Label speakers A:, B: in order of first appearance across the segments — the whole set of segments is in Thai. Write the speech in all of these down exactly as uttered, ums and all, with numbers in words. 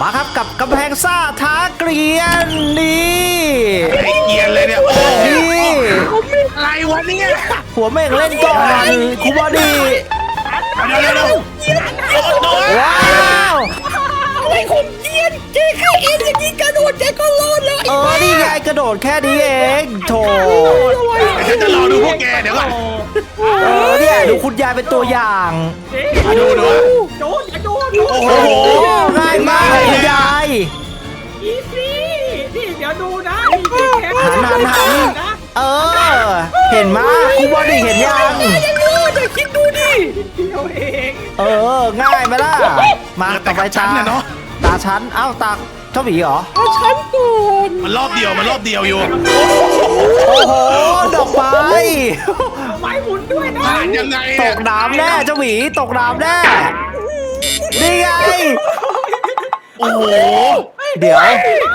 A: มาครับกับกำแพงซ่าท้าเกลียนนี่
B: ไอ้เกลียนเลยเนี่ยโอ้
A: นี่
B: อะไรวะเนี่ย
A: หัวเม่งเล่นก่อนครูบอดี้
B: เดี๋ยวเดี๋ยวเดี๋ยว
A: ว้าว
C: อะไรของเกียนเจ๊แค่เอ็นอย่างนี้กระโดดเจ๊ก็รอดแล้ว
A: เออนี่ไงกระโดดแค่นี้เองโถ
B: เดี๋ยวฉันจะรอดูพวกแกเดี๋ยวก่อน
A: เออเนี่ยดูคุณยายเป็นตัวอย่าง
B: มาดูดู
C: โดนอย่าโดนโอ้โห
A: ง่ายมากเลยคุณยาย
C: อีซี่นี่เดี๋ยวดูนะ
A: หันหันหันเออเห็นมั้ยครูบอดี้เห็นยัง
C: ยังรอดแต่คิดดูดิเดียวเอง
A: เออง่ายไหมล่ะมาต่อไปตาตาชั้นเอ้าตาเจ้าหมีเหรอ
C: เอาชั้นก่อน
B: มันรอบเดียวมันรอบเดียวอยู่
A: โอ้โหดอกไม้
C: ไม้หมุนด้วยนะ
B: ยังไง
A: ตกน้ำแน่เจ้าหมีตกน้ำแน่นี่ไง
B: โอ้โห
A: เดี๋ยว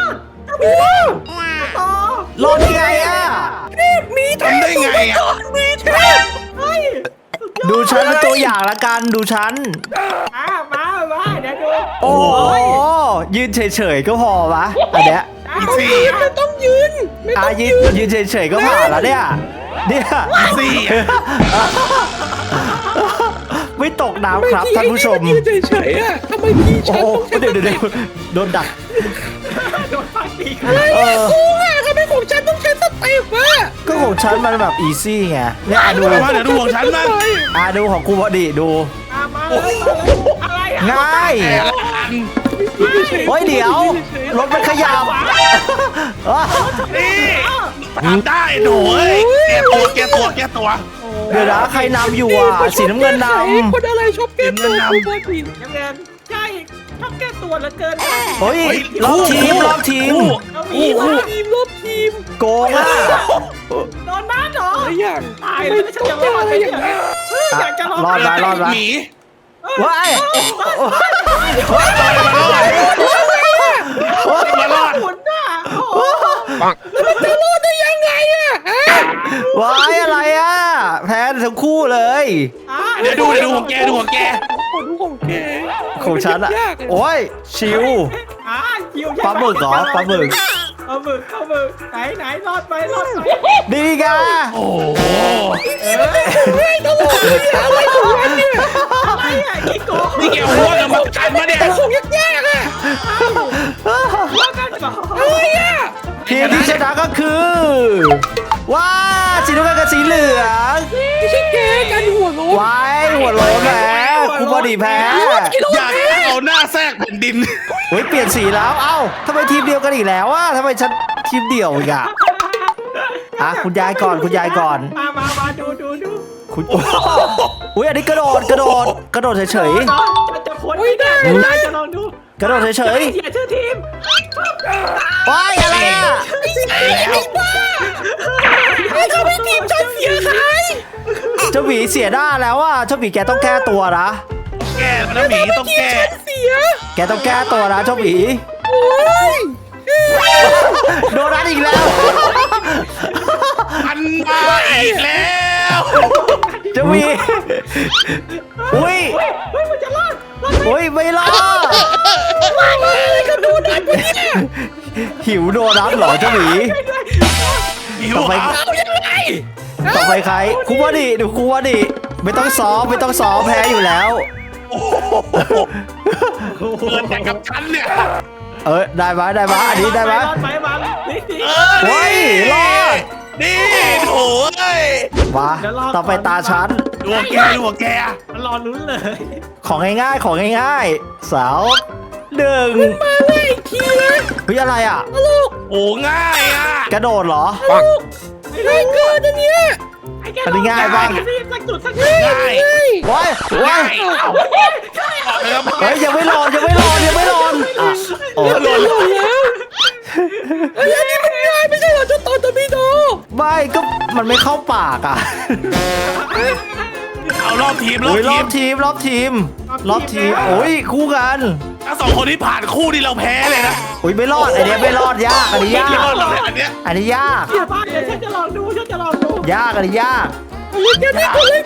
C: ต่อ
A: รอดได้ไงอ่ะ
C: มี
B: ทำได้ไงอ่ะ
C: มีเทพ
A: ดูฉันเป็นตัวอย่างละกันดูฉัน
C: มามามาเดี๋ยวดู
A: โอ้ยืนเฉยๆก็พอปะอันเนี้ย
C: ไม่ต้องยืนไม่
A: ต้องยืนยืนเฉยๆก็ผ่านแล้วเนี่ยเนี่ย
B: สี่
A: ไม่ตกน้ำครับท่านผู้ชม
C: ยืนเฉยๆอ่ะทำไมพี่ฉัน
A: เดี๋ยวเดี๋ยวโดนดัก
C: โดนฟันตีอะไรอ่ะกูอ่ะทำไมของฉันต้องใช้สเต็ปอ่ะ
A: ก็ของฉันมันแบบอีซี่ไงเนี่ยดู
B: มาเดี๋ยวดูของฉันบ้าง
A: อ่ะดูของครูบอดี้ดู
C: อะไร
A: ง่ายโอ้ยเดี๋ยวรถมันขยับ
B: นี่ทำได้หนูเอ้ยแกตัวแกตัวแกตัว
A: เดี๋ยวนะใครนำอยู่อ่ะสีน้ำเงินนำ
C: คนอะไรชอบแก้ตัวน้ำเงินใช่ชอบแก้ตัวเหลือเกิน
A: เฮ้ยรอบทีมรอบทีม
C: รอบทีมรอบทีม
A: โกงอ่ะ
C: โดนบ้านเหรออย่างตายเลยฉันจะรอดอะไรอย่างเงี้ยอยากจะรอด
A: รอดไปรอดไป
B: หมี
A: ว้าย
B: มารอด
C: แล้วมันจะรอดได้ยังไงอ่ะ
A: ว้ายอะไรอ่ะแพ้ทั้งคู่เลย
B: เดี๋ยวดูเดี๋ยวดูของแกดูของแก
C: ดูของแก
A: ของฉันอ่ะโอ้ยชิวปลาหมึกเหรอปลาหมึก
C: ปลาหมึกปลาหมึกไหนไหนรอดไปรอดไป
A: ดีกะ
B: โอ้โห
C: เฮ้ยตลกเลยอะไรของมันเนี่ยอะไรอ่ะกี่โกง
B: นี่แกหัวกับมันกันมาเนี่ย
C: คงยากๆอ่ะว่ากันก่อนอะไรอ่ะ
A: ทีมที่ชนะก็คือว้าสีน้ำเงินกับสีเหลือง
C: ไม่ใช่แกกันหัวโล้น
A: ว้ายหัวโล้นแพ้ครูบอดี้แพ้
B: อยากเอาหน้าแทรกแผ่นดิน
A: เฮ้ยเปลี่ยนสีแล้วเอ้าทำไมทีมเดียวกันอีกแล้วอ่ะทำไมฉันทีมเดี่ยวอีกอ่ะอ่ะคุณยายก่อนคุณยายก่อน
C: มามามาดูดูดู
A: คุณอุ้ยอันนี้กระโดดกระโดดกระโดดเฉย
C: ๆจะพ้นไม่ได้ได้จะลองดู
A: กระโดดเฉย
C: ๆอย่าชื่อทีม
A: ว้ายอะไรอ่ะ
C: ไอ้บ้าไอ้เขาไม่ทีมฉันเสียหาย
A: เจ้าหมีเสียหน้าแล้วอ่ะเจ้าหมีแกต้องแก้ตัวนะ
B: แกนะหมีต้องแก้
A: แกต้องแก้ตัวนะเจ้าหมีโดนนัดอีกแล้ว
B: มันมาอีกแล้ว
A: เจ้าหมีอุ้ย
C: เฮ้ยมันจะรอด
A: อุ้ยไม่รอด
C: อะไรกันโดนัทวะเนี่ย
A: หิวโดนัทเหรอเจ้าหมี
B: ต่อไป
A: ต่อไปใครครูบอดี้ดูครูบอดี้ไม่ต้องซ้อมไม่ต้องซ้อมแพ้อยู่แล้ว
B: เกินแต่กับฉันเนี่ย
A: เออได้ไหมได้ไหมอันนี้ได้ไหม
C: รอดไหมมา
A: เฮ้ยรอด
B: นี่โถ่เอ้ย
A: มาต่อไปตาฉัน
B: ดูแกดูแก
C: มันรอลุ้นเลย
A: ของง่ายๆของง่ายๆสาวหนึ่ง
C: มาเลยอีกทีนะ
A: เฮ้ยอะไรอ่ะ
C: ลูก
B: โอ้ง่ายอ่ะ
A: กระโดดเหรอ
C: ลูกง่ายเกินอันเนี้ย
A: อันนี้ง่ายบ้าง
C: สักจุดสักจุด
B: ง่าย
A: ว้ายว้ายเฮ้ยยังไม่รอยังไม่รอยังไม่รออ่ะ
C: โอ้หล่นแล้วอันนี้มันง่ายไม่ใช่เหรอเจ้าตอนตะบีโด
A: ไม่ก็มันไม่เข้าปากอ่ะ
B: เอารอบทีมร
A: อบทีมรอบทีมรอบทีมโอ้ยคู่กัน
B: ถ้าสองคนที่ผ่านคู่ที่เราแพ้เลยนะ
A: โอ้ยไม่รอดอันนี้ไม่รอดยากอันนี้ยาก
B: อันนี้
A: อันนี้ยาก
C: เดี๋ยวฉันจะลองดูฉันจะลองดู
A: ยากอันนี้ยาก
C: เล่นกันนี่คนเลย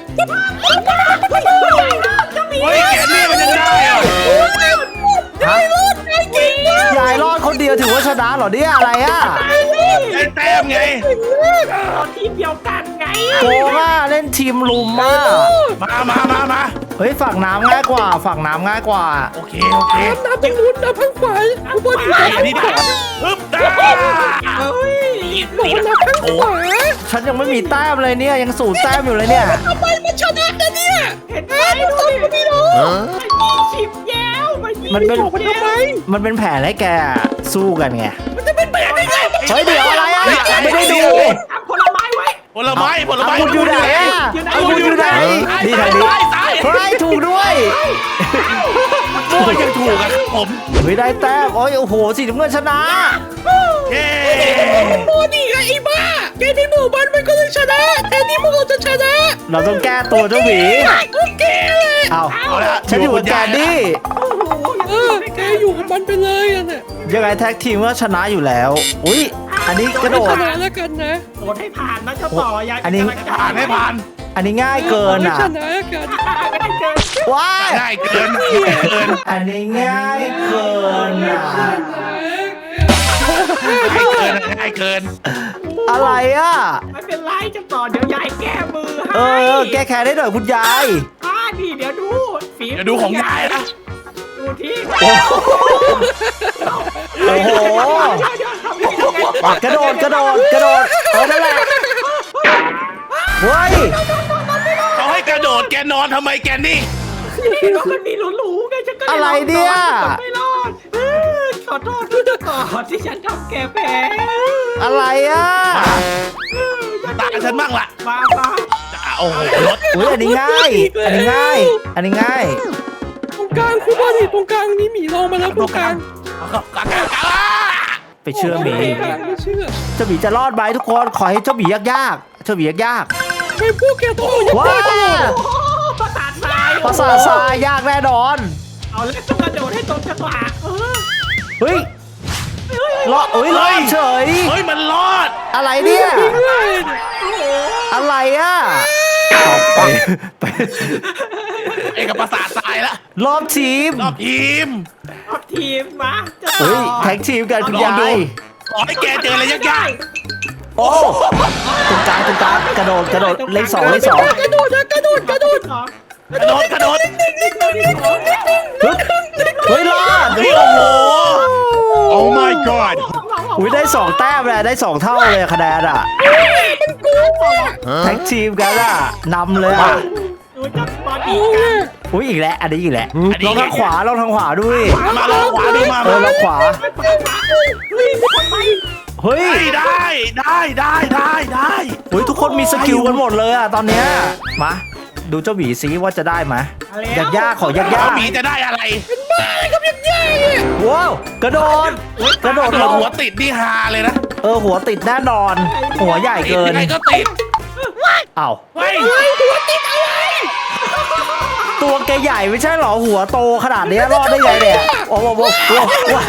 B: เฮ้ยแกนี่มันจะได้เหรอ
C: ได้รถได้จริง
A: ยายรอดคนเดียวถือว่าชนะเหรอเนี่ยอะไรอ่ะ
B: ไอ้แต้มไง
C: เราทีมเดียวกันไง
A: โกงอ่ะเล่นทีมลุมมาก
B: มามามามา
A: เฮ้ยฝั่งน้ำง่ายกว่าฝั่งน้ำง่ายกว่า
B: โอเคโอเค
C: น้ำตรงนู้นน้ำข้างขวาอุบลอยู่
B: ไอ้
C: ข้าง
B: อันนี้ได้ปึ๊บได้
C: เฮ้ย
B: นี่
C: บอก
B: นี่
C: ว่า
B: นะ
C: น้ำข้างขวา
A: ฉันยังไม่มีแต้มเลยเนี่ยยังสูญแต้มอยู่เลยเนี่ย
C: ทำไมมันชนะกันเนี่ยเห็นไหมดูดิพี่น้องมันมีชิมแย้วมันมี
A: มันเป็น
C: บอกมันทำไม
A: มันเป็นแผนให้แกสู้กันไง
C: มันจะเป็นแบบได้ไง
A: เฮ้ยเดี๋ยวอะไรอ่ะไม่ได้ดู
C: เอาผลไม้ไว้
B: ผลไม้ผลไม้
A: คุณอยู่ไหนอ่ะคุณอยู่ไหนนี่ทางนี้
B: ตาย
A: เฮ้ยถูกด้วย
B: โอ้ยยังถูกอ่ะผม
A: ไม่ได้แต้มโอ้ยโอ้โหสีน้ำเงินชนะ
B: เย้
C: โมนี่ไงไอ้บ้าแกที่หมู่บ้านมันก็เลยชนะแต่นี่พวกเราจะชนะ
A: เราต้องแก้ตัวเจ้าหมี
C: โอเคเลย
A: เอา
B: เอาละ
A: ฉันอยู่กับแกนดี้
C: เออแกอยู่กับมันไปเลยอ่ะเนี่ย
A: ยังไงแท็กทีมก็ชนะอยู่แล้ว อุ้ยอันนี้กระโด
C: ช
A: ด
C: นะแล้วกันนะ
D: โหวตให้ผ่านนะเจ้าต่อยาย
A: อันนี้
B: ผ่านให้ผ่าน
A: อันนี้ง่ายเกินอ่ะ
C: ชนะแล้วกัน
D: ไม่ได้เกิน
A: ว้าย
B: ง่ายเกินง่ายเกิน
A: อันนี้ง่ายเกินอ่ะ
B: ง่ายเกินง่ายเกิน
A: อะไรอ่ะ
D: ไม่เป็นไรเจ้าต่อเดี๋ยวยายแก้มือ
A: เอ
D: ให้
A: อแก้แค้นได้หน่อยคุณยาย
D: อ่านี่เดี๋ยวดูฝี
B: เดี๋ยวดูของยายนะ
D: ดูที่
A: โอ้โห
D: เดี๋ยวๆทำยังไง
A: กระโดดกระโดดกระโดดเออนั่นแหละเฮ้ย
B: เขาให้กระโดดแกนอนทำไมแกนี่
D: นี่เรามันมีหลูๆไงฉันก็ล
A: อะไรเนี่ย
D: ไม่รอดเออขอโทษด้วยเจ้าต่อที่ฉันทำแกแพ้
A: อะไรอ่ะ
B: ตาฉันบ้างล่ะ
D: มามา
B: โอ้โหรถ
A: อุ้ยอันนี้ง่าย อันนี้ง่าย อันนี้ง่าย
C: ตรงกลางคุณบอลนี่ตรงกลางนี่หมีลงมาแล้วตรงกลาง
B: กากากา
A: ไปเชื่อหมี
C: ตรงกลางไม่เชื่อ
A: เจ้าหมีจะรอดไหมทุกคนขอให้เจ้าหมียากๆเจ้าหมียาก
C: ไม่พวกแกต้องเอา
A: ๆว้า
C: ตลอด
D: โอ้ประสาททราย
A: ภาษาทรายยากแน่นอน
D: เอาเล็กต้องกระโดดให้ตรงจังหวะเออ
A: เฮ้ยรอดอุ้ยรอดเฉย
B: เฮ้ยมันรอด
A: อะไรเนี่ย
D: โอ้โห
A: อะไรอ่ะเอาไปไป
B: เอกประสาททรายละ
A: รอบทีม
B: รอบทีม
D: เอาทีมมาเจ้าต่
A: เฮ้ย
D: อ
A: แท็กทีมกันคุณ
B: ลองดู
A: ยาย
B: ขอให้แกเจออะไรยาก
A: โอ้ตรงกลางตรงกลางกระโดดกระโดดเลขสองเลขสอง
C: กระโดดนะกระโดดกระโดด
D: สอง
B: ๆกระโดดกระโดด
A: ฮึบเฮ้ยรอด
B: เฮ้ยโอ้โห Oh my god
A: อุ้ยได้สองแต้มเลยได้สองเท่าเลยคะแนนอ่ะแท็กทีมกันอ่ะนำเลยอ่ะ
D: ดูจับบอลอี
C: โอ้
D: ก
C: ย
A: อุ้ยอีกแล้วอันนี้อีกแล้ว
B: อันนี้
A: ลองทางขวาลองทางขวาด้วย
B: มาลองขวาดูมา
A: เออลองขวา
D: เฮ้ยมีคนไป
A: เฮ้ย
B: ได้ได้ได้ได้ได้
A: เฮ้ยทุกคนมีสกิลกันหมดเลยอ่ะตอนเนี้ยมาดูเจ้าหมีซิว่าจะได้ไหมยากยากๆขอยาก
B: แล้
A: ยาว ก
B: หมีจะได้อะไร
A: ว้าวกระโดดกระโดด
B: โด
A: ล
B: น
A: ง
B: หัวติดนี่ฮาเลยนะ
A: เออหัวติดแน่นอน หัวใหญ่เกิน
B: ยังไงก็ติด
A: เอ้า
B: เฮ้ย
A: ตัวแกใหญ่ไม่ใช่เหรอหัวโตขนาดนี้รอดได้ไงเนี่ยโอ้โหโอ้โหโอ้โห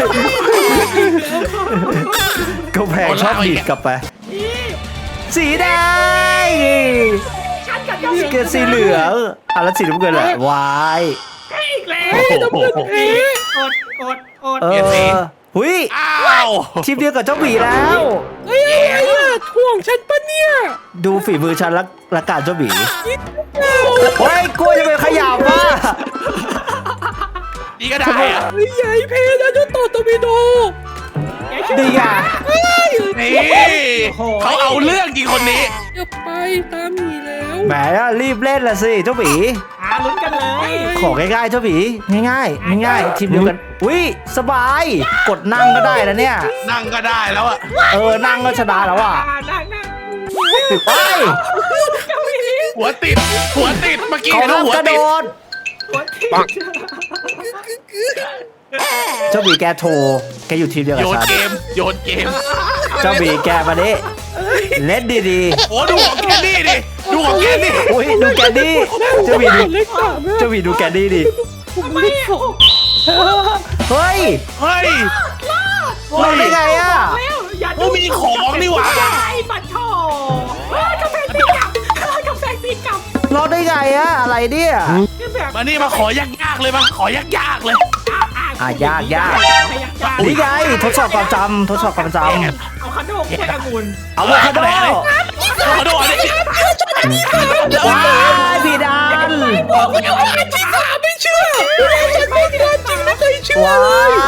A: กำแพงชอบดีดกลับไป สีแดง
D: ฉันกับเจ้า
A: เกสีเหลืองอ่ะแล้วสีน้ำเงินแหละวาย
D: อีกแล้ว
B: โอ้โห
D: อดอดอด
A: เอ
B: เกสี
A: อหุย
B: อ้าว
A: ทีมเดียวกับเจ้าหมีแล้ว
C: เฮ้ยอะไรอ่ะถ่วงฉันปะเนี่ย
A: ดูฝีมือฉันและและการเจ้าหมีเฮ้ยกลัวจะไปขยับว่ะ
B: นี่ก็ได้อะ
C: เฮ้ยใหญ่เพนะเจ้าต่อตวิโด
A: ดีอ่ะ
C: เฮ้ย
B: นี่เขาเอาเรื่องจริงคนนี้
C: อย่าไปตามหมีแล้ว
A: แหมรีบเล่นละสิเจ้าหมี
D: หาลุ้นกันเลย
A: ของง่ายๆเจ้าหมีง่ายๆง่ายๆทีมเดียวกันอุ้ยสบาย กดนั่งก็ได้นะเนี่ย
B: นั่งก็ได้แล้วอะ
A: เออนั่งก็ชนะแล้วอ่ะ
D: นั่งนั่ง
A: ไป
B: หัวติด หัวติดเมื่อกี้
A: เขา
B: เขา
A: ห้าม
B: หัว
A: กระโด
B: ติด
A: ด
D: หัวที่
A: เจ้าหมีแกโทรแกอยู่ทีมเดียวกับ
B: โยน
A: ฉัน
B: เกม โยนเกม
A: เจ้าหมีแกมาดิเล่นดี
B: โอ้ดูของแกนี่ดิ ดูของแกนี่
A: ๆอุ้ยดูแกดี้เจ้าหมีดู
C: เล็กสามอะ
A: เจ้าหมีดูแกดี้ดิ
C: ผมเล็กสอง
A: เฮ้ย
B: เฮ้ย
A: รอดได้ไงอ่ะ
D: อย่า
B: โอ้มีของนี่หว่า
D: ไอ้ปัดโถกาแฟตีกลับกาแฟตีกลับ
A: รอดได้ไงอ่ะอะไรเนี่ย
D: คือแบบ
B: มานี่มาขอยากๆเลยมาขอยากๆเลย
D: อ่ะ
A: อ่ะยากยาก
D: ใครยากยาก
A: นี่ไงทดสอบความจำทดสอบความจ
D: เอาคาโดกล้วยองุ่น
A: ำอะโวคาโด
B: ขอโทษนี่
A: ว้ายพี่ดัน
C: บอกแล้วว่าอันที่สามไม่เชื่อฉันไม่เชื่อจริงไม่เคยเชื่อ
A: ว้าย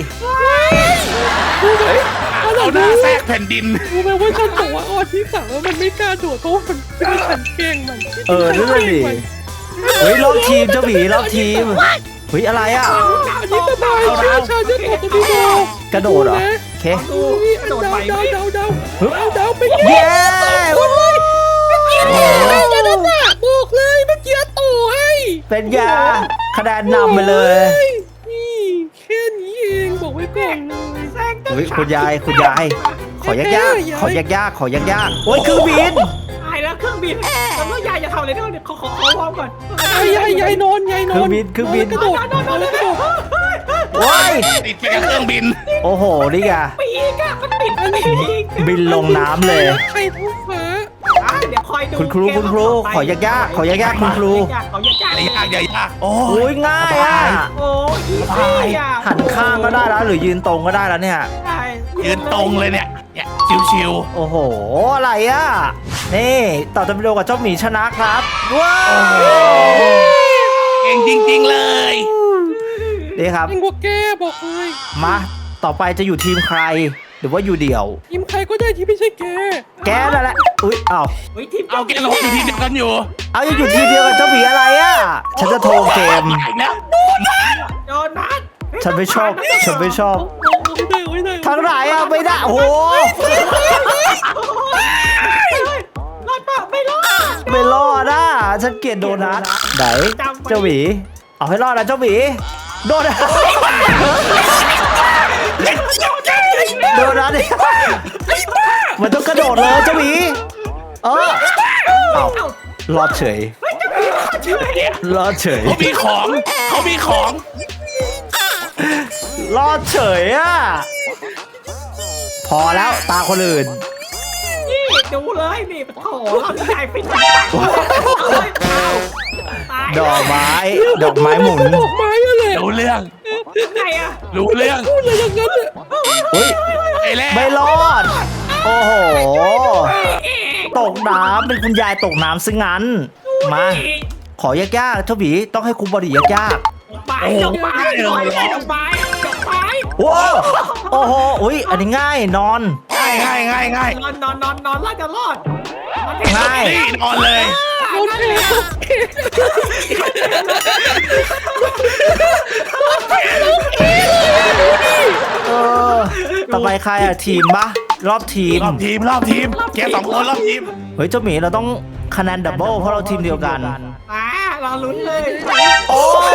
B: เอาหน้าแทรกแผ่นดิน
C: รู้ไหมว่าฉันบอกว่าอันที่สามแล้วมันไม่กล้าโดดเพราะว่ามันคิดว่าฉันเก่งมัน
A: เออนั่นเลยดิเฮ้ยรอบทีมเจ้าหมีรอบทีมเฮ้ยอะไรอ่ะ
C: อันนี้สบายเชื่อฉันจะโดดตัวนี้
A: กระโดดเหรอโอเค
D: ดูกระโดด
C: เดา
D: ไป
C: เดา
D: ไหม
C: เดาเดาเดาเดาไป
A: เย้
C: คนเลยเมื่อกี้เลยจะต้องบอกเลยเมื่อกี้ต่อให้
A: เป็นยาคะแนนนำไปเลย
C: นี่แค่นี้เองบอกไว้ก่อนเลย
D: แซง
A: เฮ้ยคุณยายคุณยายขอยากยากๆขอยากยากๆขอยากยากๆโอ้ยเครื่องบิน
D: ตายแล้วเครื่องบินแล้วก็ยายจะทำอะไรด้วยขอขอขอวอร์มก่อน
C: ยายยายยายนอนยายนอน
A: เครื่องบินเครื่องบิน
C: กระโดดกระโดดกระโดด
A: ว้าย
B: ติดไปกับเครื่องบิน
A: โอ้โหนี่ไง
D: ปีกอะมันติดปีก
A: บินลงน้ำเลย
C: ใครท้องฟ้า
D: อ่ะเดี๋ยวคอยดู
A: คุณครูคุณครูขอยากยากๆขอยากยากๆคุณครู
D: ขอยากยาก
B: อย่ายากอย่ายากโอ้
A: โอ้ยง่ายอ่ะ
D: โอ้ยอีซี่อ่ะ
A: หันข้างก็ได้แล้วหรือยืนตรงก็ได้แล้วเนี่ย
D: ใช่
B: ยืนตรงเลยเนี่ยเนี่ยชิว
A: โอ้โหอะไรอ่ะนี่ต่อจะไปดูกับเจ้าหมีชนะครับว้าว
B: ๆเก่งจริง ๆเลย
A: นี่ครับ
C: เองว่าแกบอกเลย
A: มาต่อไปจะอยู่ทีมใคร หรือว่าอยู่เดี่ยว
C: ทีมใครก็ได้ที่ไม่ใช่แก
A: แกนั่นแหละอุ้ยเอ้า
D: เฮ้ยทีม
B: เอาแกเราอยู่ทีมเดียวกันอยู่
A: เอายังอยู่ทีมเดียวกับเจ้าหมีอะไรอ่ะฉันจะโทรเกม
B: อีกแล้ว
D: โดนัท
A: ฉันไม่ชอบฉันไม่ชอบ
C: ไม่ได้ไม่ได้
A: ทางไหนอ่ะไม่ได้โอ้โห
D: รอดเปล่าไม่รอด
A: ไม่รอดอ่ะฉันเกลียดโดนัทไหนเจ้าหมีเอาให้รอดนะเจ้าหมีโดนัทโดนัทเนี่ยมันต้องกระโดดเลยเจ้าหมีเออเอารอดเฉยรอดเฉย
B: เขามีของเขามีของ
A: รอดเฉยอ่ะพอแล้วตาคนอื่น
D: นี่ดูเลยนี่โอ้โหเราใหญ่เป็นเอาตาย
A: ดอกไม้ดอกไม้หมุน
C: ดอกไม้อะไร
B: รู้เรื่อง
D: ไงอะ
B: รู้เรื่อง
C: พูดอะไรอย่างนั้นเนี่ย
A: อุ้ย
B: ไอ้แล้ว
A: ไม่รอด โอ้โห ตกน้ำเป็นคุณยายตกน้ำซึ่งงั้น มา ขอยากๆเจ้าหมีต้องให้ครูบอดี้ยาก
D: ดอกไม้ดอกไม้ดอกไม้ดอกไม้ดอกไม้
A: ๆว้าวโอ้โห อุ้ย อันนี้ง่ายนอน
B: ง่ายง่ายง่ายง่าย
D: นอนนอนนอนนอนรอดจะรอด
A: ง่าย
B: นี่นอนเลย
C: โอเคโอเค
A: เออ ต่อไปใครอะทีมปะรอบทีม
B: รอบทีมรอบทีมแกสองคนรอบทีม
A: เฮ้ย เจ้าหมีเราต้องคะแนนดับเบิลเพราะเราทีมเดียวกัน
D: มารอลุ้นเลย
A: โอ้ไม่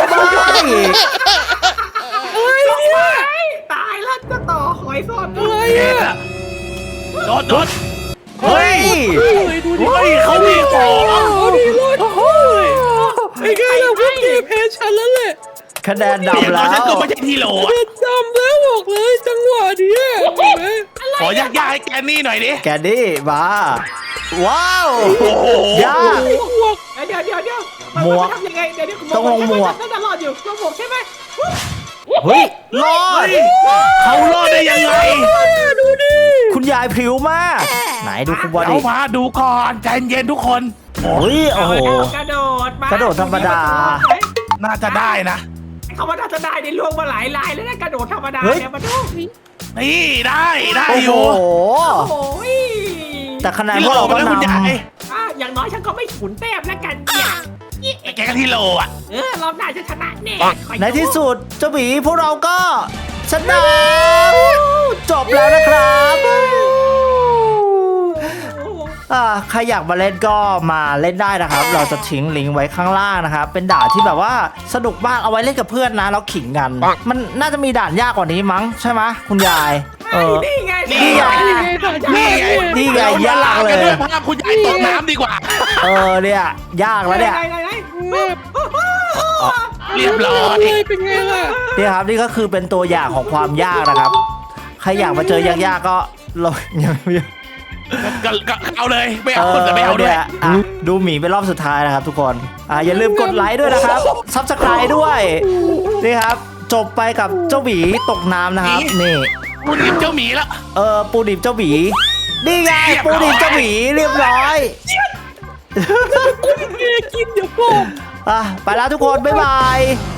D: ตายแล้วจะต่อหอยสด
C: อะไร
B: แก
C: อ่ะ
B: โดดโดด
A: เฮ้ย
C: เลยดูดิ
B: เฮ้ยเขามีของ
C: เอาดิรอดโอ้ยไอ้ไงล่ะพวกแกแพ้ฉันแล้วแหละ
A: คะแนน
B: เดี๋ยว
A: ดำแล้
B: ฉันก็
A: ว
B: ไม่ใช่ที่โหล
C: เผ็ดจำแล้วบอกเลยจังหวะเนี้ยเห็นไหม
B: ขอยากๆให้แกนี่หน่อยดิ
A: แกดี้มา ว้าว
B: โอ้โห
A: ยาก
C: หมวก
D: เดี๋ยวเดี๋ยวเดี๋ยว
A: หมวก
D: ทำยังไงเดี๋ยวเดี๋ยว
A: ต้องลงหมวก
D: น่าจะรอดอยู่ลงหมวกใช่ไหม
A: เฮ้ย รอด
B: เขารอดได้ยังไง
C: ดูดิ
A: คุณยายพริ้วมาก ไหนดูคุณบอ
B: เดี๋ย
A: ดี้
B: วมาดูก่อนใจเย็นทุกคน
A: โอ้ย โอ้โห
D: กระโดดมาก
A: ระโดดธรรมดา
B: น่าจะได้นะ
D: เขาว่าน่าจะได้ในล่วงมาหลายลายแล้วนะกระโดดธรรมดา
A: เฮ้ย
D: เนี่ยมาดู
B: นี่ได้ได้
A: โอ้
B: อ
A: โห
B: ยู่
D: โอ้ย
A: แต่คะแนนพวกเราก็
B: ที่โหลนะคุณ
A: น
B: ยาย
D: อ่ะอย่างน้อยฉันก็ไม่ฉุนแต้มแล้วกันเนี่ย
B: แกก็ที่โหลอ่ะ
D: เออรอบหน้าจะชนะแน่คอย
A: ำใน
D: ดู
A: ที่สุดเจ้าหมีพวกเราก็ชนะจบแล้วนะครับ อ่าใครอยากมาเล่นก็มาเล่นได้นะครับ เราจะทิ้งลิงก์ไว้ข้างล่างนะครับ เป็นด่านที่แบบว่าสนุกมากเอาไว้เล่นกับเพื่อนนะแล้วขิงกัน มันน่าจะมีด่านยากกว่านี้มั้งใช่ไหมคุณยาย เออ
D: นี่ไง
B: นี่ไง
C: นี่ไง
A: นี่ไง
B: เราม
A: ยาก
B: ล
A: เล
B: กัน
A: ย
B: ด้วยภาพคุณยายตกน้ำดีกว่า
A: เออเนี่ยยากแล้วเนี่ย
D: ไหนไหนไหน
C: แม่
B: เรียบร้อย
C: เลยเป็นไงล่ะ
A: นี่ครับนี่ก็คือเป็นตัวอย่างของความยากนะครับ ใครอยากมาเจอยากๆก็เราอย่าอย่า
B: ก็ก็เอาเลยไม่
A: เอ
B: เอา
A: อ
B: แต่ไม่เอาด้วย
A: เนี่ยอ่ะดูหมีเป็นรอบสุดท้ายนะครับทุกคนอ่าอย่าลืมกดไลค์ด้วยนะครับซับสไครต์ด้วยนี่ครับจบไปกับเจ้าหมีตกน้ำนะครับนี่
B: กูหนีเจ้าหมีแล้ว
A: เออปูดิบเจ้าหมีนี่ไงปูดิบเจ้าหมีเรียบร้อย
C: กูยังไงกินเดี๋ยวก่อน
A: อ่ะไปแล้วทุกคนบ๊ายบาย